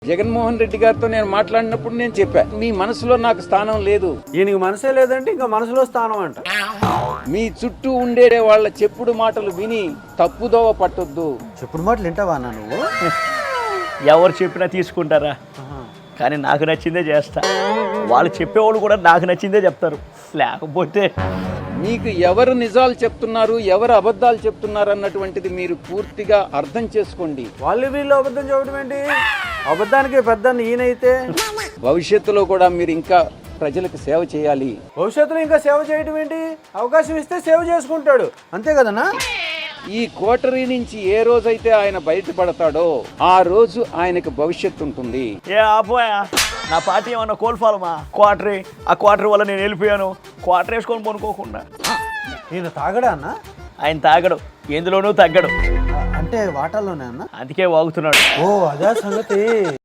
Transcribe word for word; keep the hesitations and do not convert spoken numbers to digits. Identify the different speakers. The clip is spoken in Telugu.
Speaker 1: జగన్మోహన్ రెడ్డి గారితో నేను మాట్లాడినప్పుడు నేను చెప్పా, మీ మనసులో నాకు స్థానం లేదు.
Speaker 2: ఈయనకి మనసే లేదంటే ఇంకా మనసులో స్థానం అంట.
Speaker 1: మీ చుట్టూ ఉండే వాళ్ళ చెప్పుడు మాటలు విని తప్పుదోవ పట్టొద్దు.
Speaker 2: చెప్పుడు మాటలు వింటావా అన్న నువ్వు?
Speaker 3: ఎవరు చెప్పినా తీసుకుంటారా, కానీ నాకు నచ్చిందే చేస్తా. వాళ్ళు చెప్పేవాళ్ళు కూడా నాకు నచ్చిందే చెప్తారు. లేకపోతే
Speaker 1: మీకు ఎవరు నిజాలు చెప్తున్నారు, ఎవరు అబద్ధాలు చెప్తున్నారు అన్నటువంటిది మీరు పూర్తిగా అర్థం చేసుకోండి.
Speaker 2: వాళ్ళు వీళ్ళు అబద్ధం చెప్పడం ఏంటి? అబద్ధానికి పెద్ద ఈయనైతే
Speaker 1: భవిష్యత్తులో కూడా మీరు ఇంకా ప్రజలకు సేవ చేయాలి.
Speaker 2: భవిష్యత్తులో ఇంకా సేవ చేయడం ఏంటి? అవకాశం ఇస్తే సేవ చేసుకుంటాడు, అంతే కదన్నా.
Speaker 1: ఈ కోటరీ నుంచి ఏ రోజైతే ఆయన బయటపడతాడో ఆ రోజు ఆయనకు భవిష్యత్తు ఉంటుంది.
Speaker 3: ఏ ఆపోయా, నా పార్టీ ఏమన్నా కోల్ఫాలమా? క్వార్టరీ, ఆ క్వార్టరీ వల్ల నేను వెళ్ళిపోయాను. క్వార్టర్ వేసుకొని పనుకోకుండా.
Speaker 2: ఈయన తాగడా అన్న?
Speaker 3: ఆయన తాగడు, ఎందులోనూ తగ్గడు,
Speaker 2: అంటే వాటాల్లోనే అన్న,
Speaker 3: అందుకే వాగుతున్నాడు.
Speaker 2: ఓ అదే సంగతి.